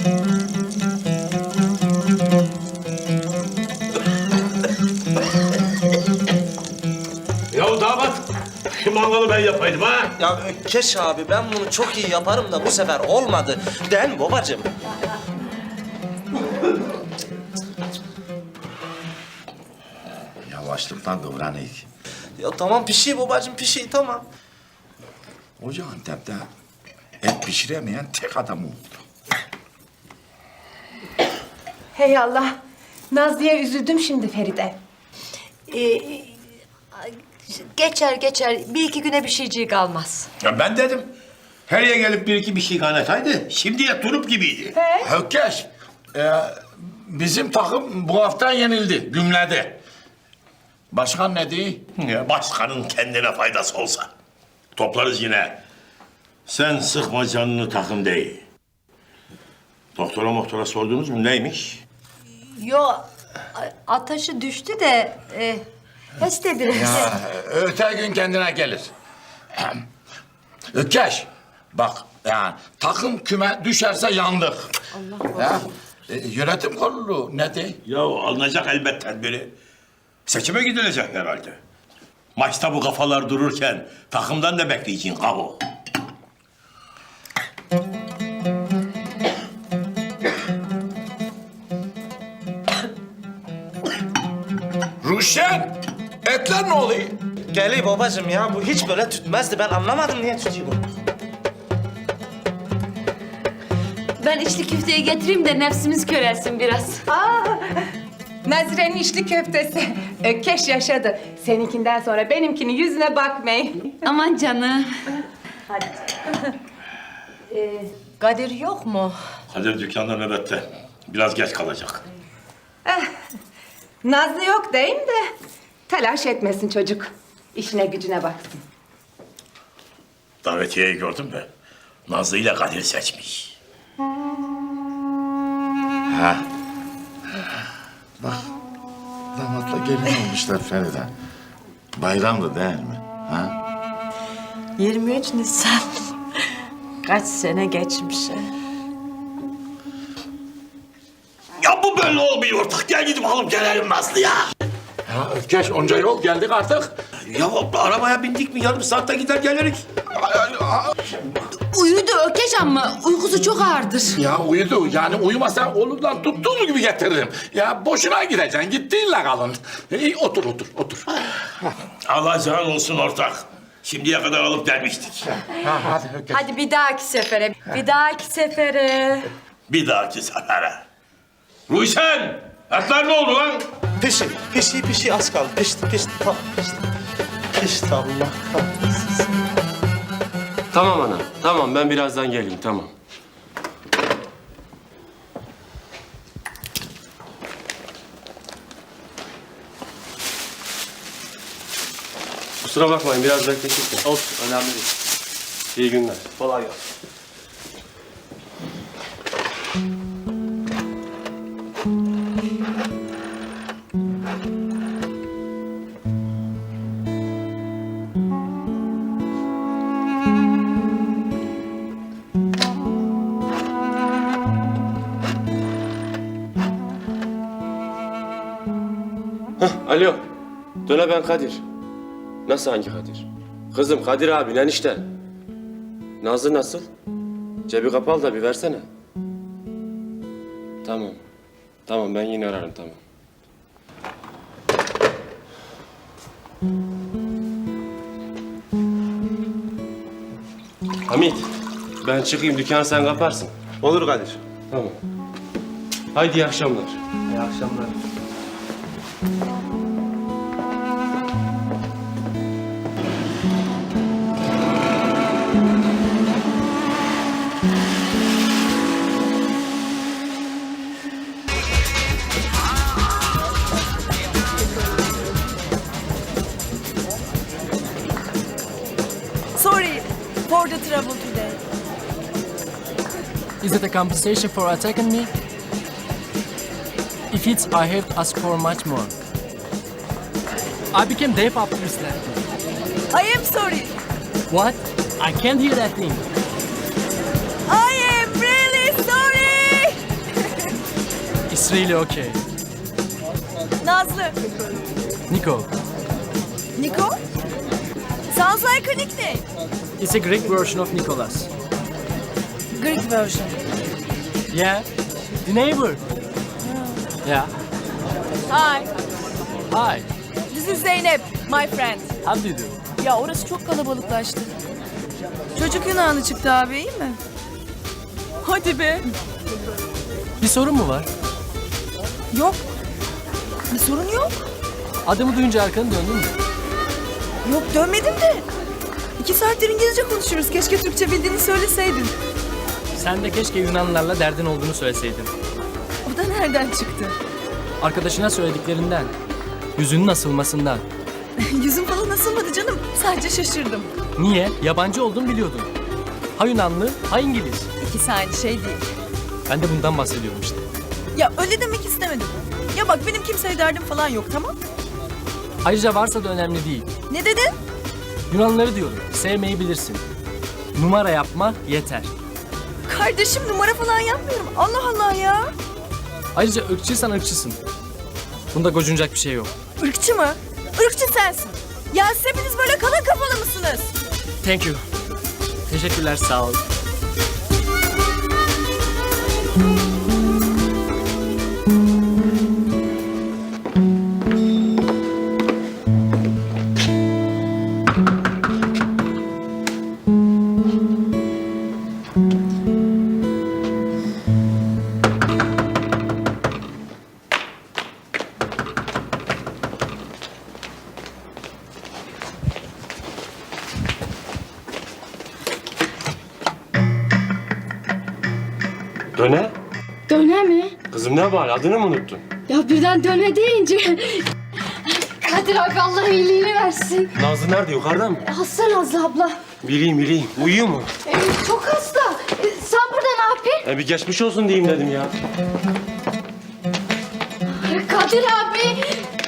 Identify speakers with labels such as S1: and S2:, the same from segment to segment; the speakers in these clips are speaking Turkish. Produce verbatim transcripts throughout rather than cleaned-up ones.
S1: Ya damat, mangalı ben yapaydım ha.
S2: Ya Ökkeş abi ben bunu çok iyi yaparım da bu sefer olmadı. Değil mi babacığım?
S3: Yavaşlıktan kıvranık.
S2: Ya tamam pişi babacığım pişi tamam.
S3: Hoca Antep'te et pişiremeyen tek adam oldu.
S4: Hey Allah. Nazlı'ya üzüldüm şimdi Feride.
S5: Ee, geçer geçer. Bir iki güne bir şeyciği kalmaz.
S1: Ya ben dedim, her yer gelip bir iki bir şey kaynataydı. Şimdiye turup gibiydi.
S3: Hökkeş, e, bizim takım bu hafta yenildi, gümledi. Başkan ne diyor?
S1: Ya başkanın kendine faydası olsa. Toplarız yine. Sen sıkma canını takım değil. Doktora moktora sordunuz mu neymiş?
S5: Yo, a- ateşi düştü de e, heste biraz.
S3: Ya, öte gün kendine gelir. Ökkeş, bak yani takım küme düşerse yandık. Allah ya, e, yönetim kurulu ne diyor?
S1: Ya alınacak elbet tedbiri. Seçime gidilecek herhalde. Maçta bu kafalar dururken takımdan da bekleyeceksin kavo.
S3: Ruşen, etler ne oluyor?
S2: Geliyor babacığım ya bu hiç böyle tütmezdi. Ben anlamadım niye tütüyor bu.
S5: Ben içli köfteyi getireyim de nefsimiz körelsin biraz.
S4: Nazire'nin içli köftesi. Ökkeş yaşadı. Seninkinden sonra benimkinin yüzüne bakmayın.
S5: Aman canım. Ee, Kadir yok mu?
S1: Kadir dükkanda nöbette. Biraz geç kalacak.
S4: Nazlı yok deyim de telaş etmesin çocuk. İşine gücüne baksın.
S1: Davetiyeyi gördün mü? Nazlı ile Kadir seçmiş.
S3: Ha. Bak, damatla gelin olmuşlar Feride. Bayramdı değil mi? Ha?
S5: yirmi üç Nisan. Kaç sene geçmiş.
S1: Ya bu böyle olmuyor ortak. Gel gidip alıp gelelim Nazlı ya.
S3: Ya Ökkeş, onca yol geldik artık.
S1: Ya arabaya bindik mi yarım saatte gider geliriz.
S5: Uyudu Ökeş ama uykusu çok ağırdır.
S3: Ya uyudu. Yani uyumasa olurdan tuttuğum gibi getiririm. Ya boşuna gideceksin. Gittiğinle kalın. İyi, otur, otur, otur.
S1: Alacağın olsun ortak. Şimdiye kadar alıp gelmiştik.
S3: Ha, hadi Ökkeş.
S5: Hadi bir dahaki sefere, bir dahaki sefere.
S1: Bir dahaki sefere. Ruysen! Etler ne oldu lan?
S2: Pişi pişi pişi az kaldı. Pişti pişti tamam pişti. Pişti Allah kahretsin.
S6: Tamam ana, tamam ben birazdan geleyim, tamam. Kusura bakmayın, biraz bekledik de.
S7: Olsun, önemli değil.
S6: İyi günler.
S7: Kolay gelsin.
S6: Alo, döne ben Kadir. Nasıl hangi Kadir? Kızım Kadir abi, enişte. Nazlı nasıl? Cebi kapalı da bir versene. Tamam. Tamam ben yine ararım, tamam. Hamit, ben çıkayım, dükkanı sen kaparsın.
S7: Olur Kadir.
S6: Tamam. Haydi iyi akşamlar.
S7: İyi akşamlar.
S8: Sorry for the trouble today.
S9: Is it a compensation for attacking me? If it's, I have to ask for much more. I became deaf after this last thing.
S8: I am sorry.
S9: What? I can't hear that thing.
S8: I am really sorry.
S9: It's really okay.
S8: Nazlı.
S9: Nico,
S8: Niko? Sounds like a nickname.
S9: it's a Greek version of Nicholas.
S8: Greek version.
S9: Yeah, the neighbor. Yeah,
S8: Hi.
S9: hi,
S8: This is Zeynep, my friend.
S9: how do you do?
S8: Ya orası çok kalabalıklaştı. Çocuk Yunanlı çıktı abi, iyi mi? Hadi be.
S9: Bir sorun mu var?
S8: Yok. Bir sorun yok.
S9: Adımı duyunca arkanı döndün mü?
S8: Yok dönmedim de. İki saattir İngilizce konuşuyoruz. Keşke Türkçe bildiğini söyleseydin.
S9: Sen de keşke Yunanlılarla derdin olduğunu söyleseydin.
S8: O da nereden çıktı?
S9: Arkadaşına söylediklerinden, yüzünün asılmasından.
S8: Yüzüm falan asılmadı canım. Sadece şaşırdım.
S9: Niye? Yabancı olduğunu biliyordun. Ha Yunanlı, ha İngiliz.
S8: İkisi aynı şey değil.
S9: Ben de bundan bahsediyorum işte.
S8: Ya öyle demek istemedim. Ya bak benim kimseye derdim falan yok, tamam?
S9: Ayrıca varsa da önemli değil.
S8: Ne dedin?
S9: Yunanlıları diyorum, sevmeyi bilirsin. Numara yapma yeter.
S8: Kardeşim numara falan yapmıyorum. Allah Allah ya.
S9: Ayrıca ırkçıysan ırkçısın. Bunda gocunacak bir şey yok.
S8: Irkçı mı? Irkçı sensin. Ya siz hepiniz böyle kalın kafalı mısınız?
S9: Thank you. Teşekkürler, sağ ol.
S6: Döne?
S7: Döne mi?
S6: Kızım ne var? Adını mı unuttun?
S7: Ya birden döne deyince... Kadir abi Allah iyiliğini versin.
S6: Nazlı nerede? Yukarıda mı?
S7: Hasta Nazlı abla.
S6: Bileyim bileyim. Uyuyor mu?
S7: Ee, çok hasta. Ee, sen burada ne yapıyorsun?
S6: E bir geçmiş olsun diyeyim dedim ya.
S7: Kadir abi.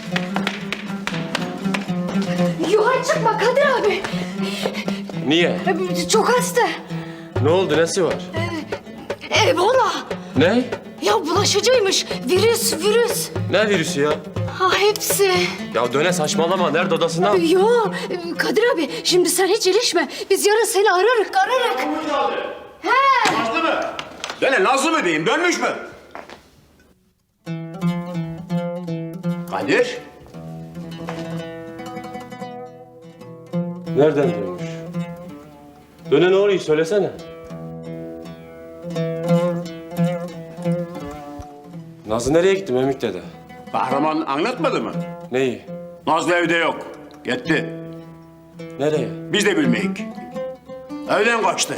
S7: Yukarı çıkma Kadir abi.
S6: Niye?
S7: Ee, çok hasta.
S6: Ne oldu? Nesi var?
S7: Ebola.
S6: Ne?
S7: Ya bulaşıcıymış. Virüs, virüs.
S6: Ne virüsü ya?
S7: Ha hepsi.
S6: Ya Döne saçmalama. Nerede odasında?
S7: Yo Kadir abi şimdi sen hiç ilişme. Biz yarın seni ararık, ararık.
S10: Nazlı mı? Döne Nazlı mı diyeyim? Dönmüş mü? Kadir.
S6: Nereden dönmüş? Döne ne oluyor? Söylesene. Nazlı nereye gitti Memik dede?
S10: Kahraman anlatmadı mı?
S6: Neyi?
S10: Nazlı evde yok. Gitti.
S6: Nereye?
S10: Biz de bilmeyik. Evden kaçtı.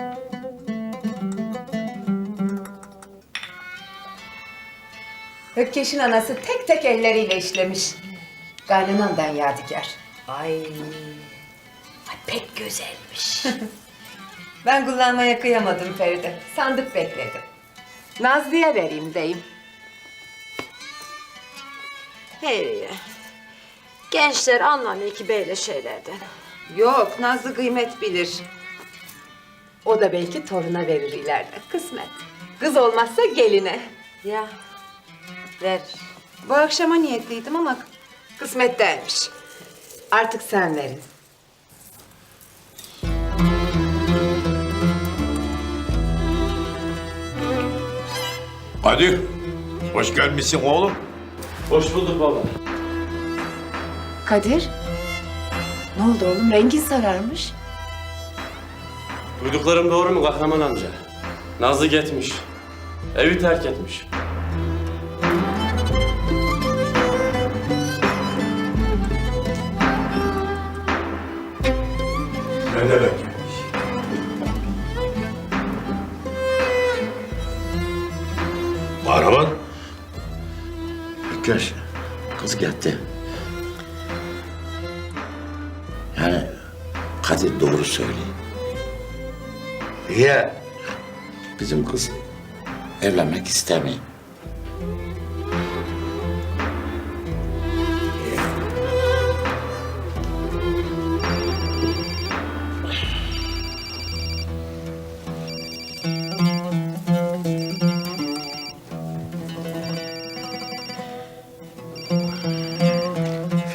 S4: Ökkeş'in anası tek tek elleriyle işlemiş. Kaynanamdan yadigar. Ay. Ay pek güzelmiş. Ben kullanmaya kıyamadım Feride. Sandık bekledim. Nazlı'ya vereyim deyim.
S11: Hayır. Gençler anlamıyor ki böyle şeylerden.
S4: Yok, Nazlı kıymet bilir. O da belki toruna verir ileride. Kısmet. Kız olmazsa geline.
S11: Ya ver.
S4: Bu akşama niyetliydim ama kısmet değilmiş. Artık sen verin.
S1: Kadir, hoş gelmişsin oğlum.
S6: Hoş bulduk baba.
S4: Kadir, ne oldu oğlum? Rengin sararmış.
S6: Duyduklarım doğru mu Kahraman amca? Nazlı gitmiş. Evi terk etmiş.
S1: Ne demek gelmiş? Kahraman.
S12: Göz, kız gitti. Yani Kadir doğru söylüyor.
S1: Niye?
S12: Bizim kız evlenmek istemiyor.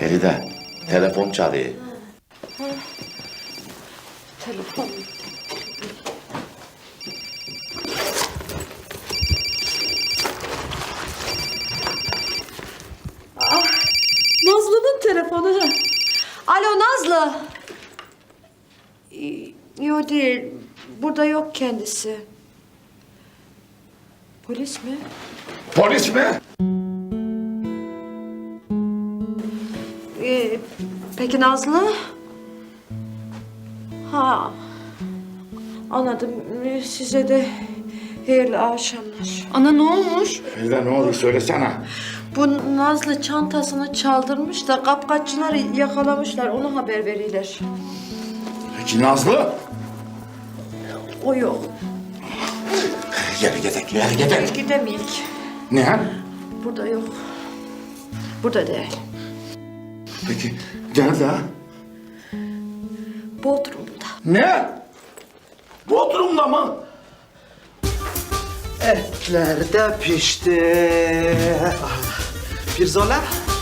S12: Feride, telefon çalıyor.
S11: Telefon. Ah, Nazlı'nın telefonu. Alo Nazlı. Ee, Yok değil. Burada yok kendisi. Polis mi?
S3: Polis mi?
S11: Ee, peki Nazlı? Ha. Anladım. Ee, Size de hayırlı akşamlar.
S7: Ana ne olmuş?
S3: Feride ne oldu söylesene.
S11: Bu Nazlı çantasını çaldırmış da kapkaççılar yakalamışlar. Onu haber verirler.
S3: Peki Nazlı?
S11: O yok.
S3: Gel gidelim, gel gidelim.
S11: Gidemeyik.
S3: Ne?
S11: Burada yok. Burada değil.
S3: Peki nerede?
S11: Bodrum'da.
S3: Ne? Bodrum'da mı?
S2: Etler de pişti. Pirzola,